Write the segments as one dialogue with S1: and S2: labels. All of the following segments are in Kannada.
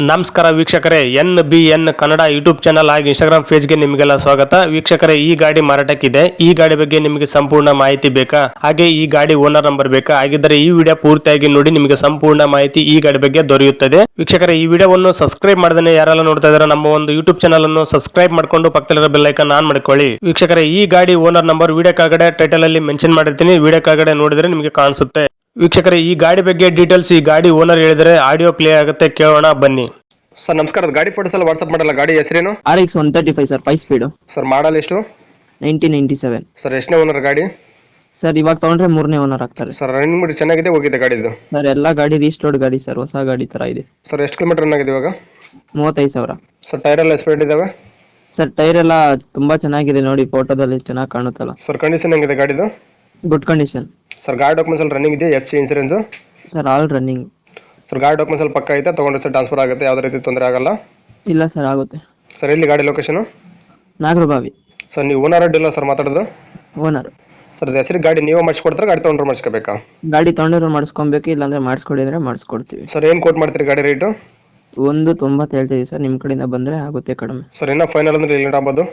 S1: ನಮಸ್ಕಾರ ವೀಕ್ಷಕರೇ, NBN ಕನ್ನಡ ಯೂಟ್ಯೂಬ್ ಚಾನಲ್ ಹಾಗೂ ಇನ್ಸ್ಟಾಗ್ರಾಮ್ ಪೇಜ್ಗೆ ನಿಮಗೆಲ್ಲ ಸ್ವಾಗತ. ವೀಕ್ಷಕರೇ, ಈ ಗಾಡಿ ಮಾರಾಟಕ್ಕಿದೆ. ಈ ಗಾಡಿ ಬಗ್ಗೆ ನಿಮಗೆ ಸಂಪೂರ್ಣ ಮಾಹಿತಿ ಬೇಕಾ, ಹಾಗೆ ಈ ಗಾಡಿ ಓನರ್ ನಂಬರ್ ಬೇಕಾ? ಹಾಗಿದ್ದರೆ ಈ ವಿಡಿಯೋ ಪೂರ್ತಿಯಾಗಿ ನೋಡಿ, ನಿಮಗೆ ಸಂಪೂರ್ಣ ಮಾಹಿತಿ ಈ ಗಾಡಿ ಬಗ್ಗೆ ದೊರೆಯುತ್ತದೆ. ವೀಕ್ಷಕರೇ, ಈ ವಿಡಿಯೋವನ್ನು ಸಬ್ಸ್ಕ್ರೈಬ್ ಮಾಡದೇ ಯಾರೆಲ್ಲ ನೋಡ್ತಾ ಇದ್ದಾರೆ, ನಮ್ಮ ಒಂದು ಯೂಟ್ಯೂಬ್ ಚಾನಲ್ ಅನ್ನು ಸಬ್ಸ್ಕ್ರೈಬ್ ಮಾಡ್ಕೊಂಡು ಪಕ್ಕದಲ್ಲಿರೋ ಬೆಲ್ ಐಕಾನ್ ಆನ್ ಮಾಡ್ಕೊಳ್ಳಿ. ವೀಕ್ಷಕರೇ, ಈ ಗಾಡಿ ಓನರ್ ನಂಬರ್ ವಿಡಿಯೋ ಕೆಳಗಡೆ ಟೈಟಲ್ ಅಲ್ಲಿ ಮೆನ್ಷನ್ ಮಾಡಿರ್ತೀನಿ, ವಿಡಿಯೋ ಕೆಳಗಡೆ ನೋಡಿದ್ರೆ ನಿಮಗೆ ಕಾಣಿಸುತ್ತೆ. ವೀಕ್ಷಕರೇ, ಈ ಗಾಡಿ ಬಗ್ಗೆ ಡೀಟೇಲ್ಸ್ ಈ ಗಾಡಿ ಓನರ್ ಹೇಳಿದರೆ ಆಡಿಯೋ ಪ್ಲೇ ಆಗುತ್ತೆ, ಕೇಳೋಣ ಬನ್ನಿ.
S2: ಸರ್ ನಮಸ್ಕಾರ, ಗಾಡಿ ಫೋಟೋಸ್ ಎಲ್ಲ ವಾಟ್ಸ್ಆಪ್ ಮಾಡಲ್ಲ. ಗಾಡಿ ಹೆಸರೇನು?
S3: RX 135 sir, 5 speed
S2: sir model ಎಷ್ಟು?
S3: 1997
S2: ಸರ್ ಎಷ್ಟನೇ ಓನರ್ ಗಾಡಿ?
S3: ಸರ್ ಇವಾಗ ತಗೊಂಡ್ರೆ 3ನೇ ಓನರ್ ಆಗ್ತಾರೆ
S2: ಸರ್ ರನ್ನಿಂಗ್ ಮಾಡಿ ಚೆನ್ನಾಗಿದೆ, ಹೋಗಿದೆ ಗಾಡಿದು?
S3: ಸರ್ ಎಲ್ಲ ಗಾಡಿ ರೀಸ್ಟೋರ್ಡ್ ಗಾಡಿ ಸರ್, ಹೊಸ ಗಾಡಿ ತರ ಇದೆ.
S2: ಸರ್ ಎಷ್ಟು ಕಿಲೋಮೀಟರ್ ರನ್ ಆಗಿದೆ ಇವಾಗ?
S3: 35,000.
S2: ಸರ್ ಟೈರ್ ಎಲ್ಲ ಎಸ್ಪೆಂಟ್ ಇದಾವೆ?
S3: ಸರ್ ಟೈರ್ ಎಲ್ಲ ತುಂಬಾ ಚೆನ್ನಾಗಿದೆ, ನೋಡಿ ಫೋಟೋದಲ್ಲಿ ಚೆನ್ನಾಗಿ ಕಾಣುತ್ತಲ್ಲ.
S2: ಸರ್ ಕಂಡೀಷನ್ ಹೆಂಗಿದೆ ಗಾಡಿದು?
S3: Good condition.
S2: ಸರ್ ಗಾಡಿ ಡಾಕ್ಯುಮೆಂಟ್ಸ್ ಎಲ್ಲ ರನ್ನಿಂಗ್ ಇದೆ? FC insurance?
S3: Sir all running.
S2: Sir ಗಾಡಿ ಡಾಕ್ಯುಮೆಂಟ್ಸ್ ಎಲ್ಲ ಪಕ್ಕ ಐತೆ, ತಗೊಂಡ್ರೆ ಸರ್ ಟ್ರಾನ್ಸ್ಫರ್ ಆಗುತ್ತೆ, ಯಾವುದೇ ರೀತಿ ತೊಂದರೆ ಆಗಲ್ಲ?
S3: ಇಲ್ಲ ಸರ್ ಆಗುತ್ತೆ.
S2: ಸರ್ ಎಲ್ಲಿ ಗಾಡಿ ಲೊಕೇಶನ್?
S3: ನಾಗರಬಾವಿ.
S2: ಸರ್ ನೀವು ಓನರ್ ಅಡ್ಡಿಲ್ಲ ಸರ್ ಮಾತಾಡೋದು?
S3: ಓನರ್.
S2: ಸರ್ ಹೆಸರು ಗಾಡಿ ನೀವು ಮಾಡಿಸ್ಕೊಡ್ತಾರೆ, ಗಾಡಿ ತೊಗೊಂಡ್ರೆ ಮಾಡಿಸ್ಕೋಬೇಕಾ?
S3: ಗಾಡಿ ತಗೊಂಡಿರೋ ಮಾಡಿಸ್ಕೊಬೇಕು, ಇಲ್ಲಾಂದ್ರೆ ಮಾಡಿಸ್ಕೊಡಿ ಅಂದ್ರೆ ಮಾಡಿಸ್ಕೊಡ್ತೀವಿ.
S2: ಸರ್ ಏನು ಕೋಟ್ ಮಾಡ್ತೀರಿ ಗಾಡಿ ರೇಟು?
S3: 190 ಹೇಳ್ತೀವಿ ಸರ್, ನಿಮ್ಮ ಕಡೆಯಿಂದ ಬಂದ್ರೆ ಆಗುತ್ತೆ ಕಡಿಮೆ.
S2: ಸರ್ ಇನ್ನೂ ಫೈನಲ್ ಅಂದ್ರೆ ಎಲ್ಲಿ ಆಗ್ಬೋದು?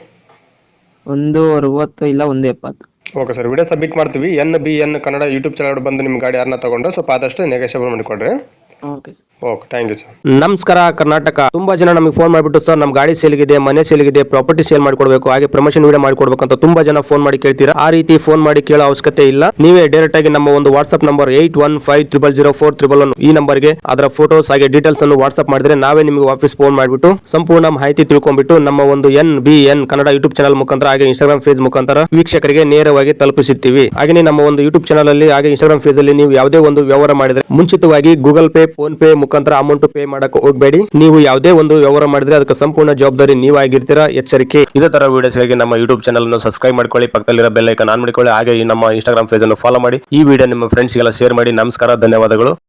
S3: 160 ಇಲ್ಲ 170.
S2: ಓಕೆ ಸರ್, ವಿಡಿಯೋ ಸಬ್ಮಿಟ್ ಮಾಡ್ತೀವಿ. NBN ಕನ್ನಡ ಯೂಟ್ಯೂಬ್ ಚಾನಲ್ ಬಂದು ನಿಮ್ಮ ಗಾಡಿ ಯಾರನ್ನ ತಗೊಂಡ್ರೆ ಸ್ವಲ್ಪ ಆದಷ್ಟು ನೆಗೋಷಿಯಬಲ್ ಮಾಡಿಕೊಡ್ರಿ.
S3: Okay sir.
S2: Okay, thank you sir.
S1: ನಮಸ್ಕಾರ ಕರ್ನಾಟಕ. ತುಂಬಾ ಜನ ನಮಗೆ ಫೋನ್ ಮಾಡಿಬಿಟ್ಟು, ಸರ್ ನಮ್ಮ ಗಾಡಿ ಸೇಲ್ಗಿದೆ, ಮನೆ ಸೇಲ್ಗಿದೆ, ಪ್ರಾಪರ್ಟಿ ಸೇಲ್ ಮಾಡ್ಕೊಡ್ಬೇಕು, ಹಾಗೆ ಪ್ರಮೋಷನ್ ವಿಡಿಯೋ ಮಾಡ್ಕೊಡ್ಬೇಕು ಅಂತ ತುಂಬಾ ಜನ ಫೋನ್ ಮಾಡಿ ಕೇಳ್ತೀರಾ. ಆ ರೀತಿ ಫೋನ್ ಮಾಡಿ ಕೇಳೋ ಅವಶ್ಯಕತೆ ಇಲ್ಲ. ನೀವೇ ಡೈರೆಕ್ಟ್ ಆಗಿ ನಮ್ಮ ಒಂದು ವಾಟ್ಸ್ಆಪ್ ನಂಬರ್ 81500411 ಈ ನಂಬರ್ಗೆ ಅದರ ಫೋಟೋಸ್ ಹಾಗೆ ಡೀಟೇಲ್ಸ್ ಅನ್ನು ವಾಟ್ಸ್ಆಪ್ ಮಾಡಿದ್ರೆ ನಾವೇ ನಿಮಗೆ ವಾಪಸ್ ಫೋನ್ ಮಾಡಿಬಿಟ್ಟು ಸಂಪೂರ್ಣ ಮಾಹಿತಿ ತಿಳ್ಕೊಂಡ್ಬಿಟ್ಟು ನಮ್ಮ ಒಂದು NBN ಕನ್ನಡ ಯೂಟ್ಯೂಬ್ ಚಾನಲ್ ಮುಖಾಂತರ ಹಾಗೆ ಇನ್ಸ್ಟಾಗ್ರಾಮ್ ಪೇಜ್ ಮುಖಾಂತರ ವೀಕ್ಷಕರಿಗೆ ನೇರವಾಗಿ ತಲುಪಿಸುತ್ತೀವಿ. ಹಾಗೆ ನಮ್ಮ ಒಂದು ಯೂಟ್ಯೂಬ್ ಚಾನಲ್ ಅಲ್ಲಿ ಹಾಗೆ ಇನ್ಸ್ಟಾಗ್ರಾಮ್ ಪೇಜ್ ಅಲ್ಲಿ ನೀವು ಯಾವುದೇ ಒಂದು ವ್ಯವಹಾರ ಮಾಡಿದ್ರೆ ಮುಂಚಿತವಾಗಿ ಗೂಗಲ್ ಪೇ, ಫೋನ್ ಪೇ ಮುಖಾಂತರ ಅಮೌಂಟ್ ಪೇ ಮಾಡಕ್ಕೆ ಹೋಗಬೇಡಿ. ನೀವು ಯಾವುದೇ ಒಂದು ವ್ಯವಹಾರ ಮಾಡಿದ್ರೆ ಅದಕ್ಕೆ ಸಂಪೂರ್ಣ ಜವಾಬ್ದಾರಿ ನೀವಾಗಿರ್ತೀರಾ, ಎಚ್ಚರಿಕೆ. ಇದೇ ತರ ವಿಡಿಯೋಸ್ಗಾಗಿ ನಮ್ಮ ಯೂಟ್ಯೂಬ್ ಚಾನಲ್ ಅನ್ನು ಸಬ್ಸ್ಕ್ರೈಬ್ ಮಾಡ್ಕೊಳ್ಳಿ, ಪಕ್ಕದಲ್ಲಿರೋ ಬೆಲ್ ಐಕಾನ್ ಆನ್ ಮಾಡಿಕೊಳ್ಳಿ, ಹಾಗೆ ನಮ್ಮ ಇನ್ಸ್ಟಾಗ್ರಾಮ್ ಪೇಜ್ ಅನ್ನು ಫಾಲೋ ಮಾಡಿ. ಈ ವಿಡಿಯೋ ನಿಮ್ಮ ಫ್ರೆಂಡ್ಸ್ಗೆಲ್ಲ ಶೇರ್ ಮಾಡಿ. ನಮಸ್ಕಾರ, ಧನ್ಯವಾದಗಳು.